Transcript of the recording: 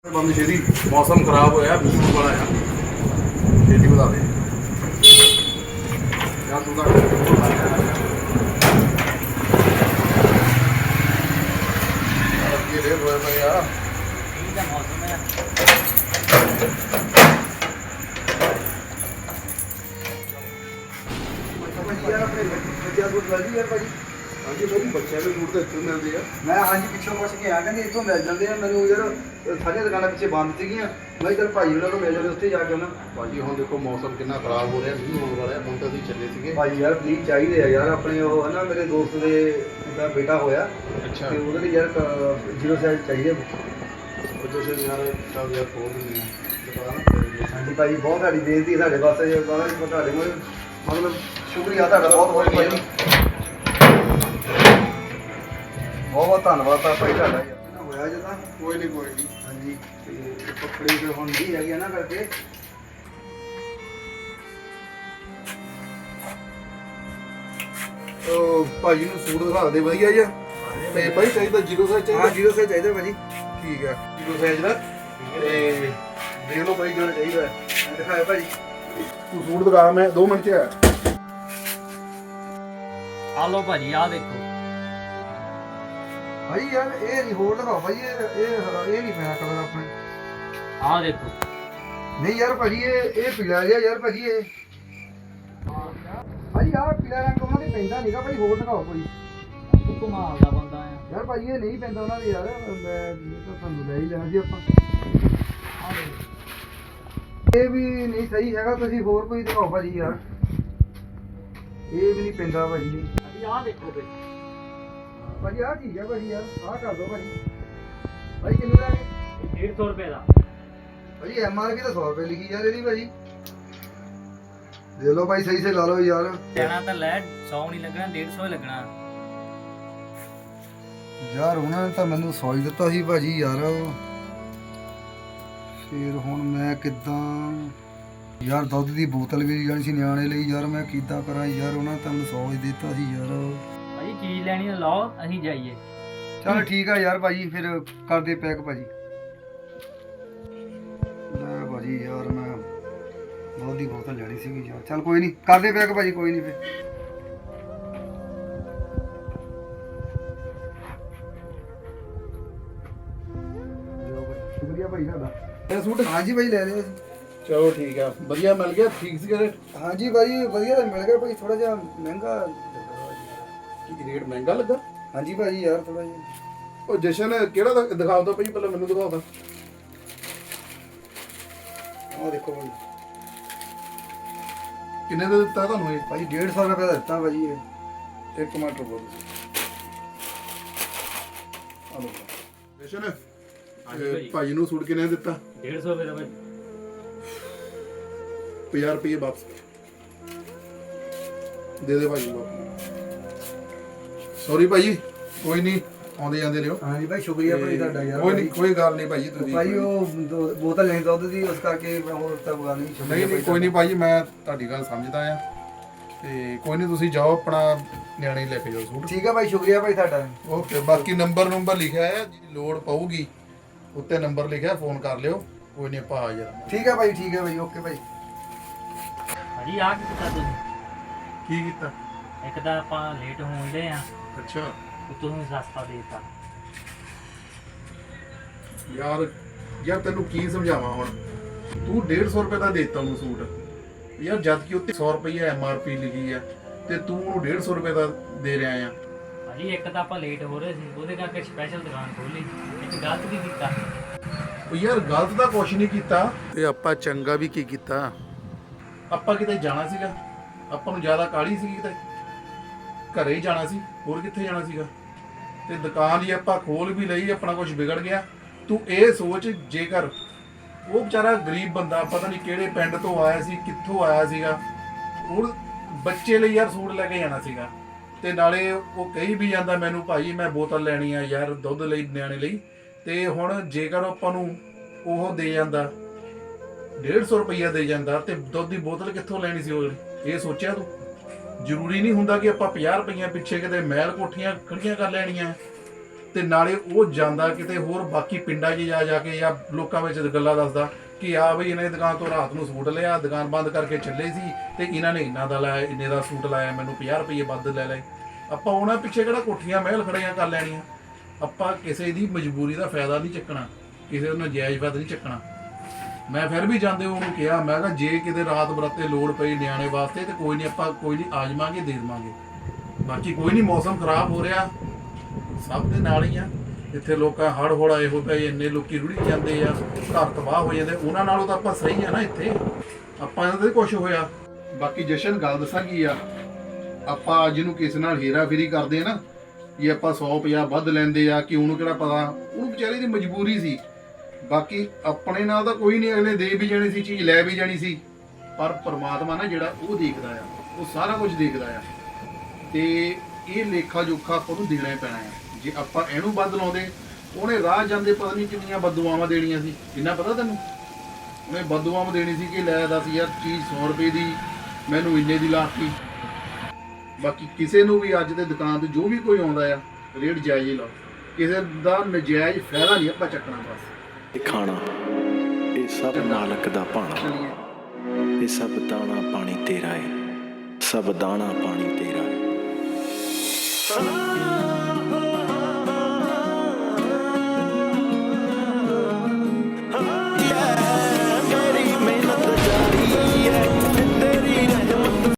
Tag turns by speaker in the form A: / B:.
A: ਬੰਦ ਛੇਤੀ ਮੌਸਮ ਖਰਾਬ ਹੋਇਆ ਮੀਂਹ ਬੜਾ ਆ ਛੇਤੀ ਵਧਾ ਦੇ ਯਾਰ ਤੂੰ ਤਾਂ ਇਹ ਹੋਇਆ ਪਿਆ
B: ਠੀਕ ਹੈ ਮੌਸਮ ਹੈ
C: ਯਾਰ ਆਪਣੇ ਬੱਚਿਆਂ ਕੋਲ ਮਿਲਦੀ ਯਾਰ ਭਾਜੀ।
A: ਹਾਂਜੀ ਬਾਬੂ ਬੱਚਿਆਂ ਦੇ ਸੂਟ ਤਾਂ ਇੱਥੋਂ ਮਿਲਦੇ ਆ।
C: ਮੈਂ ਹਾਂਜੀ ਪਿੱਛੋਂ ਪੁੱਛ ਕੇ ਆ ਕਹਿੰਦੇ ਇੱਥੋਂ ਮਿਲ ਜਾਂਦੇ ਆ। ਮੈਨੂੰ ਯਾਰ ਸਾਰੀਆਂ ਦੁਕਾਨਾਂ ਪਿੱਛੇ ਬੰਦ ਸੀਗੀਆਂ। ਮੈਂ ਚੱਲ ਭਾਈ ਉਹਨਾਂ ਨੂੰ ਮਿਲ ਜਾਂਦੇ ਉੱਥੇ ਜਾ ਕੇ ਉਹਨਾਂ
A: ਭਾਜੀ ਹੁਣ ਦੇਖੋ ਮੌਸਮ ਕਿੰਨਾ ਖਰਾਬ ਹੋ ਰਿਹਾ ਮੀਂਹ ਹੋਣ ਵਾਲਾ ਹੁਣ ਤਾਂ ਅਸੀਂ ਚੱਲੇ ਸੀਗੇ।
C: ਭਾਈ ਯਾਰ ਪਲੀਜ਼ ਚਾਹੀਦੇ ਆ ਯਾਰ ਆਪਣੇ ਉਹ ਹੈ ਨਾ ਮੇਰੇ ਦੋਸਤ ਦੇ ਦਾ ਬੇਟਾ ਹੋਇਆ
A: ਅੱਛਾ
C: ਤੇ ਉਹਦੇ ਲਈ ਯਾਰ 0 ਸਾਈਜ਼ ਚਾਹੀਦੇ।
A: ਉਹ ਜਿਹੜੇ ਯਾਰ ਚੱਲ ਯਾਰ ਖੋਲ ਦਿੰਦੇ ਆ ਦੁਕਾਨ।
C: ਹਾਂਜੀ ਭਾਈ ਬਹੁਤ ਸਾਡੀ ਬੇਨਤੀ ਸਾਡੇ ਵਾਸਤੇ ਜੇ ਤੁਹਾਡੇ ਕੋਲ ਮਤਲਬ ਸ਼ੁਕਰੀਆ ਤੁਹਾਡਾ ਬਹੁਤ ਬਹੁਤ ਭਾਈ ਬਹੁਤ ਧੰਨਵਾਦ ਆ ਭਾਈ ਤੁਹਾਡਾ ਯਾਰ ਹੋਇਆ ਜੇ ਤਾਂ
A: ਕੋਈ ਨਹੀਂ
C: ਹਾਂਜੀ ਤੇ ਕੱਪੜੇ ਤੇ ਹੁਣ ਨਹੀਂ ਹੈਗੇ ਨਾ ਕਰਕੇ
A: ਉਹ ਭਾਜੀ ਨੂੰ ਸੂਟ ਦਿਖਾ ਦੇ ਵਧੀਆ ਜਿਹਾ ਤੇ ਭਾਈ ਚਾਹੀਦਾ 0 ਸਾਈਜ਼
C: ਹਾਂ
A: ਚਾਹੀਦਾ
C: 0 ਸਾਈਜ਼ ਚਾਹੀਦਾ ਭਾਜੀ।
A: ਠੀਕ ਹੈ 0 ਸਾਈਜ਼ ਦਾ ਤੇ ਦੇਖ ਲਓ ਭਾਈ ਜਿਹੜਾ ਚਾਹੀਦਾ ਹੈ।
C: ਦਿਖਾਓ ਭਾਜੀ।
A: ਤੂੰ ਸੂਟ ਦਿਖਾ ਮੈਂ 2 ਮਿੰਟ ਚ ਆ
B: ਆ ਲਓ ਭਾਜੀ ਆ ਦੇਖੋ
C: ਭਾਈ ਯਾਰ ਇਹ ਨਹੀਂ ਹੋਰ ਦਿਖਾਓ ਭਾਈ ਇਹ ਨਹੀਂ ਪੈਣਾ ਕਲਰ ਆਪਣੇ।
B: ਆ ਦੇਖੋ
C: ਨਹੀਂ ਯਾਰ ਭਾਜੀ ਇਹ ਪੀਲਾ ਜਿਹਾ ਯਾਰ ਭਾਜੀ ਇਹ ਭਾਜੀ ਆਹ ਪੀਲਾ ਰੰਗ ਉਹਨਾਂ ਦੇ ਪੈਂਦਾ ਨਹੀਂਗਾ ਭਾਈ ਹੋਰ ਦਿਖਾਓ ਕੋਈ
B: ਤੂੰ ਕਮਾਲ ਦਾ ਬੰਦਾ ਆ
C: ਯਾਰ ਭਾਜੀ ਇਹ ਨਹੀਂ ਪੈਂਦਾ ਉਹਨਾਂ ਦੇ ਯਾਰ ਮੈਂ ਤਾਂ ਤੁਹਾਨੂੰ ਲੈ ਹੀ ਲੈਣਾ ਜੀ ਆਪਾਂ।
B: ਆ ਦੇਖੋ
C: ਇਹ ਵੀ ਨਹੀਂ ਸਹੀ ਹੈਗਾ ਤੁਸੀਂ ਹੋਰ ਕੋਈ ਦਿਖਾਓ ਭਾਜੀ ਯਾਰ ਇਹ ਵੀ ਨਹੀਂ ਪੈਂਦਾ ਭਾਜੀ।
B: ਭਾਜੀ ਆ ਦੇਖੋ ਬਈ
C: ਭਾਜੀ ਆਹ ਠੀਕ ਹੈ ਭਾਜੀ ਯਾਰ ਆਹ ਕਰ ਦਿਓ ਭਾਜੀ। ਭਾਈ ਕਿੰਨੇ ਦਾ
B: ਇਹ 150 ਰੁਪਏ ਦਾ
C: ਭਾਜੀ MRP ਤਾਂ 100 ਰੁਪਏ ਲਿਖੀ ਯਾਰ ਇਹਦੀ ਭਾਜੀ। ਦੇ ਲਓ ਭਾਈ ਸਹੀ ਸੇ ਲਾ ਲਓ ਯਾਰ।
B: ਲੈਣਾ ਤਾਂ ਲੈ 100 ਨਹੀਂ ਲੱਗਣਾ 150 ਹੀ ਲੱਗਣਾ
C: ਯਾਰ ਉਹਨਾਂ ਨੇ ਤਾਂ ਮੈਨੂੰ 100 ਹੀ ਦਿੱਤਾ ਸੀ ਭਾਜੀ ਯਾਰ। ਫਿਰ ਹੁਣ ਮੈਂ ਕਿੱਦਾਂ ਯਾਰ ਦੁੱਧ ਦੀ ਬੋਤਲ ਵੀ ਜਾਣੀ ਸੀ ਨਿਆਣੇ ਲਈ ਯਾਰ ਮੈਂ ਕਿੱਦਾਂ ਕਰਾਂ ਯਾਰ ਉਹਨਾਂ ਨੇ ਤਾਂ ਮੈਨੂੰ 100 ਹੀ ਦਿੱਤਾ ਸੀ ਯਾਰ।
B: ਭਾਜੀ ਚੀਜ਼ ਲੈਣੀ ਤਾਂ ਲਾਓ ਅਸੀਂ ਜਾਈਏ।
C: ਚਲ ਠੀਕ ਆ ਯਾਰ ਭਾਜੀ ਫਿਰ ਕਰਦੇ ਪੈਕ ਭਾਜੀ। ਲੈ ਭਾਜੀ ਯਾਰ ਮੈਂ ਦੁੱਧ ਦੀ ਬੋਤਲ ਲੈਣੀ ਸੀਗੀ ਯਾਰ। ਚਲ ਕੋਈ ਨਹੀਂ ਕਰਦੇ ਪੈਕ ਭਾਜੀ ਕੋਈ ਨਹੀਂ ਫਿਰ। ਸ਼ੁਕਰੀਆ ਭਾਈ ਤੁਹਾਡਾ।
A: ਇਹ ਸੂਟ
C: ਹਾਂਜੀ ਭਾਈ ਲੈ ਲਿਆ ਸੀ।
A: ਚਲੋ ਠੀਕ ਆ ਵਧੀਆ ਮਿਲ ਗਿਆ ਠੀਕ ਸੀ ਰੇਟ
C: ਹਾਂਜੀ ਭਾਜੀ ਵਧੀਆ ਤਾਂ ਮਿਲ ਗਿਆ ਭਾਈ ਥੋੜਾ ਜਿਹਾ ਮਹਿੰਗਾ।
A: ਕੀ ਰੇਟ ਮਹਿੰਗਾ ਲੱਗਾ
C: ਹਾਂਜੀ ਭਾਜੀ ਯਾਰ ਥੋੜਾ ਜਿਹਾ
A: ਉਹ ਜਸ਼ਨ ਕਿਹੜਾ ਦਿਖਾਉਂਦਾ ਭਾਈ ਪਹਿਲਾਂ ਮੈਨੂੰ ਦਿਖਾਉਂਦਾ
C: ਆਹ ਦੇਖੋ ਭਾਈ
A: ਕਿੰਨੇ ਦਾ ਦਿੱਤਾ ਤੁਹਾਨੂੰ ਇਹ
C: ਭਾਜੀ 150 ਰੁਪਏ ਦਾ ਦਿੱਤਾ ਭਾਜੀ ਇਹ।
A: ਇੱਕ ਟਮਾਟਰ ਬੋਲ ਆਲੋ ਜਸ਼ਨ ਭਾਈ ਨੂੰ ਸੂਟ ਕਿੰਨੇ ਦਿੱਤਾ
B: 150 ਰੁਪਏ ਦਾ ਭਾਜੀ
A: 50 ਰੁਪਏ ਵਾਪਸ ਦੇ ਦੇ ਭਾਈ ਨੂੰ ਸੌਰੀ ਭਾਈ ਕੋਈ ਨਹੀਂ ਆਉਂਦੇ ਜਾਂਦੇ ਲਿਓ
C: ਹਾਂਜੀ ਭਾਈ ਸ਼ੁਕਰੀਆ ਭਾਈ ਤੁਹਾਡਾ ਯਾਰ।
A: ਕੋਈ ਨਹੀਂ ਕੋਈ ਗੱਲ ਨਹੀਂ ਭਾਈ ਤੁਸੀਂ
C: ਭਾਈ ਉਹ ਬੋਤਲ ਲੈਣੀ ਦੁੱਧ ਦੀ ਉਸ ਕਰਕੇ ਮੈਂ ਹੋਰ ਤਾਂ ਗੱਲ ਨਹੀਂ
A: ਨਹੀਂ ਨਹੀਂ ਕੋਈ ਨਹੀਂ ਭਾਈ ਮੈਂ ਤੁਹਾਡੀ ਗੱਲ ਸਮਝਦਾ ਆ ਤੇ ਕੋਈ ਨਹੀਂ ਤੁਸੀਂ ਜਾਓ ਆਪਣਾ ਨਿਆਣੇ ਲੈ ਕੇ ਜਾਓ ਸੂਟ।
C: ਠੀਕ ਹੈ ਭਾਈ ਸ਼ੁਕਰੀਆ ਭਾਈ ਤੁਹਾਡਾ।
A: ਓਕੇ ਬਾਕੀ ਨੰਬਰ ਲਿਖਿਆ ਹੈ ਜੇ ਲੋੜ ਪਊਗੀ ਉੱਤੇ ਨੰਬਰ ਲਿਖਿਆ ਫੋਨ ਕਰ ਲਿਓ ਕੋਈ ਨਹੀਂ ਆਪਾਂ ਹਾਜ਼ਰ ਹਾਂ।
C: ਠੀਕ ਹੈ ਭਾਈ ਠੀਕ ਹੈ ਭਾਈ ਓਕੇ ਭਾਈ।
B: ਭਾਜੀ ਆ ਕੀ ਕੀਤਾ ਤੁਸੀਂ
A: ਕੀ ਕੀਤਾ
B: ਇੱਕ ਤਾਂ ਆਪਾਂ ਲੇਟ ਹੋਣ ਦੇ ਆ
A: ਅੱਛਾ
B: ਤੁਸੀਂ ਸਸਤਾ ਦੇਤਾ
A: ਯਾਰ ਤੈਨੂੰ ਕੀ ਸਮਝਾਵਾਂ ਹੁਣ ਤੂੰ 150 ਰੁਪਏ ਦਾ ਦੇਤਾ ਉਹਨੂੰ ਸੂਟ ਯਾਰ ਜਦ ਕਿ ਉੱਤੇ 100 ਰੁਪਏ MRP ਲਿਖੀ ਆ ਤੇ ਤੂੰ ਉਹਨੂੰ 150 ਰੁਪਏ ਦਾ ਦੇ ਰਿਹਾ ਆ।
B: ਭਾਜੀ ਇੱਕ ਤਾਂ ਆਪਾਂ ਲੇਟ ਹੋ ਰਹੇ ਸੀ ਉਹਦੇ ਕਰਕੇ ਸਪੈਸ਼ਲ ਦੁਕਾਨ ਖੋਲੀ ਇੱਕ ਗਲਤ ਵੀ ਕੀਤਾ।
A: ਉਹ ਯਾਰ ਗਲਤ ਤਾਂ ਕੁਛ ਨਹੀਂ ਕੀਤਾ ਤੇ ਆਪਾਂ ਚੰਗਾ ਵੀ ਕੀ ਕੀਤਾ ਆਪਾਂ ਕਿਤੇ ਜਾਣਾ ਸੀਗਾ ਆਪਾਂ ਨੂੰ ਜ਼ਿਆਦਾ ਕਾਹਲੀ ਸੀਗੀ ਕਿਤੇ ਘਰੇ ਹੀ ਜਾਣਾ ਸੀ ਹੋਰ ਕਿੱਥੇ ਜਾਣਾ ਸੀਗਾ ਤੇ ਦੁਕਾਨ ਹੀ ਆਪਾਂ ਖੋਲ ਵੀ ਲਈ ਆਪਣਾ ਕੁਝ ਵਿਗੜ ਗਿਆ। ਤੂੰ ਇਹ ਸੋਚ ਜੇਕਰ ਉਹ ਵਿਚਾਰਾ ਗਰੀਬ ਬੰਦਾ ਪਤਾ ਨਹੀਂ ਕਿਹੜੇ ਪਿੰਡ ਤੋਂ ਆਇਆ ਸੀ ਕਿੱਥੋਂ ਆਇਆ ਸੀਗਾ ਉਹ ਬੱਚੇ ਲਈ ਯਾਰ ਸੂਟ ਲੈ ਕੇ ਜਾਣਾ ਸੀਗਾ ਤੇ ਨਾਲੇ ਉਹ ਕਹੀ ਵੀ ਜਾਂਦਾ ਮੈਨੂੰ ਭਾਈ ਮੈਂ ਬੋਤਲ ਲੈਣੀ ਆ ਯਾਰ ਦੁੱਧ ਲਈ ਨਿਆਣੇ ਲਈ ਤੇ ਹੁਣ ਜੇਕਰ ਆਪਾਂ ਨੂੰ ਉਹ ਦੇ ਜਾਂਦਾ 150 ਰੁਪਈਆ ਦੇ ਜਾਂਦਾ ਤੇ ਦੁੱਧ ਦੀ ਬੋਤਲ ਕਿੱਥੋਂ ਲੈਣੀ ਸੀ ਉਹ ਇਹ ਸੋਚਿਆ ਤੂੰ ਜ਼ਰੂਰੀ ਨਹੀਂ ਹੁੰਦਾ ਕਿ ਆਪਾਂ 50 ਰੁਪਈਆ ਪਿੱਛੇ ਕਿਤੇ ਮਹਿਲ ਕੋਠੀਆਂ ਖੜੀਆਂ ਕਰ ਲੈਣੀਆਂ ਤੇ ਨਾਲੇ ਉਹ ਜਾਂਦਾ ਕਿਤੇ ਹੋਰ ਬਾਕੀ ਪਿੰਡਾਂ 'ਚ ਜਾ ਕੇ ਜਾਂ ਲੋਕਾਂ ਵਿੱਚ ਗੱਲਾਂ ਦੱਸਦਾ ਕਿ ਆ ਬਈ ਇਹਨਾਂ ਦੀ ਦੁਕਾਨ ਤੋਂ ਰਾਤ ਨੂੰ ਸੂਟ ਲਿਆ, ਦੁਕਾਨ ਬੰਦ ਕਰਕੇ ਚੱਲੇ ਸੀ ਤੇ ਇਹਨਾਂ ਨੇ ਇੰਨਾ ਦਾ ਲਾਇਆ, ਇੰਨੇ ਦਾ ਸੂਟ ਲਾਇਆ, ਮੈਨੂੰ 50 ਰੁਪਏ ਵੱਧ ਲੈ ਲਏ। ਆਪਾਂ ਉਹਨਾਂ ਪਿੱਛੇ ਕਿਹੜਾ ਕੋਠੀਆਂ ਮਹਿਲ ਖੜੀਆਂ ਕਰ ਲੈਣੀਆਂ। ਆਪਾਂ ਕਿਸੇ ਦੀ ਮਜਬੂਰੀ ਦਾ ਫਾਇਦਾ ਨਹੀਂ ਚੱਕਣਾ, ਕਿਸੇ ਦਾ ਨਜਾਇਜ਼ ਫਾਇਦਾ ਨਹੀਂ ਚੱਕਣਾ। ਮੈਂ ਫਿਰ ਵੀ ਜਾਂਦੇ ਉਹਨੂੰ ਕਿਹਾ, ਮੈਂ ਕਿਹਾ ਜੇ ਕਿਤੇ ਰਾਤ ਬਰਾਤੇ ਲੋੜ ਪਈ ਨਿਆਣੇ ਵਾਸਤੇ ਤੇ ਕੋਈ ਨਹੀਂ, ਆਪਾਂ ਕੋਈ ਨਹੀਂ ਆ ਜਾਵਾਂਗੇ, ਦੇ ਦੇਵਾਂਗੇ। ਬਾਕੀ ਕੋਈ ਨਹੀਂ, ਮੌਸਮ ਖਰਾਬ ਹੋ ਰਿਹਾ, ਸਭ ਦੇ ਨਾਲ ਹੀ ਆ। ਇੱਥੇ ਲੋਕਾਂ ਹੜ੍ਹ ਹੁੜ ਆਏ ਹੋ ਪਏ, ਇੰਨੇ ਲੋਕੀ ਰੁੜੀ ਜਾਂਦੇ ਆ, ਘਰ ਤਬਾਹ ਹੋ ਜਾਂਦੇ, ਉਹਨਾਂ ਨਾਲੋਂ ਤਾਂ ਆਪਾਂ ਸਹੀ ਆ ਨਾ ਇੱਥੇ। ਆਪਾਂ ਇਹਨਾਂ ਤੇ ਕੁਝ ਹੋਇਆ। ਬਾਕੀ ਜਸ਼ਨ ਗੱਲ ਦੱਸਾਂ ਕੀ ਆ, ਆਪਾਂ ਅੱਜ ਨੂੰ ਕਿਸੇ ਨਾਲ ਹੇਰਾ ਫੇਰੀ ਕਰਦੇ ਆ ਨਾ, ਜੇ ਆਪਾਂ 150 ਵੱਧ ਲੈਂਦੇ ਆ ਕਿ ਉਹਨੂੰ ਕਿਹੜਾ ਪਤਾ, ਉਹਨੂੰ ਵਿਚਾਰੀ ਦੀ ਮਜਬੂਰੀ ਸੀ। ਬਾਕੀ ਆਪਣੇ ਨਾਲ ਤਾਂ ਕੋਈ ਨਹੀਂ, ਅਗਲੇ ਦੇ ਵੀ ਜਾਣੀ ਸੀ, ਚੀਜ਼ ਲੈ ਵੀ ਜਾਣੀ ਸੀ, ਪਰ ਪਰਮਾਤਮਾ ਨਾ ਜਿਹੜਾ ਉਹ ਦੇਖਦਾ ਆ, ਉਹ ਸਾਰਾ ਕੁਝ ਦੇਖਦਾ ਆ ਤੇ ਇਹ ਲੇਖਾ ਜੋਖਾ ਆਪਾਂ ਨੂੰ ਦੇਣਾ ਹੀ ਪੈਣਾ ਆ। ਜੇ ਆਪਾਂ ਇਹਨੂੰ ਵੱਧ ਲਾਉਂਦੇ, ਉਹਨੇ ਰਾਹ ਜਾਂਦੇ ਪਤਾ ਨਹੀਂ ਕਿੰਨੀਆਂ ਬਦਦੁਆਵਾਂ ਦੇਣੀਆਂ ਸੀ। ਇੰਨਾ ਪਤਾ ਤੈਨੂੰ, ਉਹਨੇ ਬਦਦੁਆਵਾਂ ਦੇਣੀ ਸੀ ਕਿ ਲੈ ਦੱਸ ਯਾਰ ਚੀਜ਼ 100 ਰੁਪਏ ਦੀ ਮੈਨੂੰ ਇੰਨੇ ਦੀ ਲਾਤੀ। ਬਾਕੀ ਕਿਸੇ ਨੂੰ ਵੀ ਅੱਜ ਦੇ ਦੁਕਾਨ ਤੇ ਜੋ ਵੀ ਕੋਈ ਆਉਂਦਾ ਆ, ਰੇਟ ਜਾਇਜ਼ ਹੀ ਲਾਓ, ਕਿਸੇ ਦਾ ਨਜਾਇਜ਼ ਫਾਇਦਾ ਨਹੀਂ ਆਪਾਂ ਚੱਕਣਾ। ਬਸ
D: ਇਹ ਖਾਣਾ, ਇਹ ਸਭ ਮਾਲਕ ਦਾ ਭਾਣਾ,
A: ਚਲੀਏ।
D: ਇਹ ਸਭ ਦਾਣਾ ਪਾਣੀ ਤੇਰਾ ਹੈ, ਸਭ ਦਾਣਾ ਪਾਣੀ ਤੇਰਾ ਹੈ।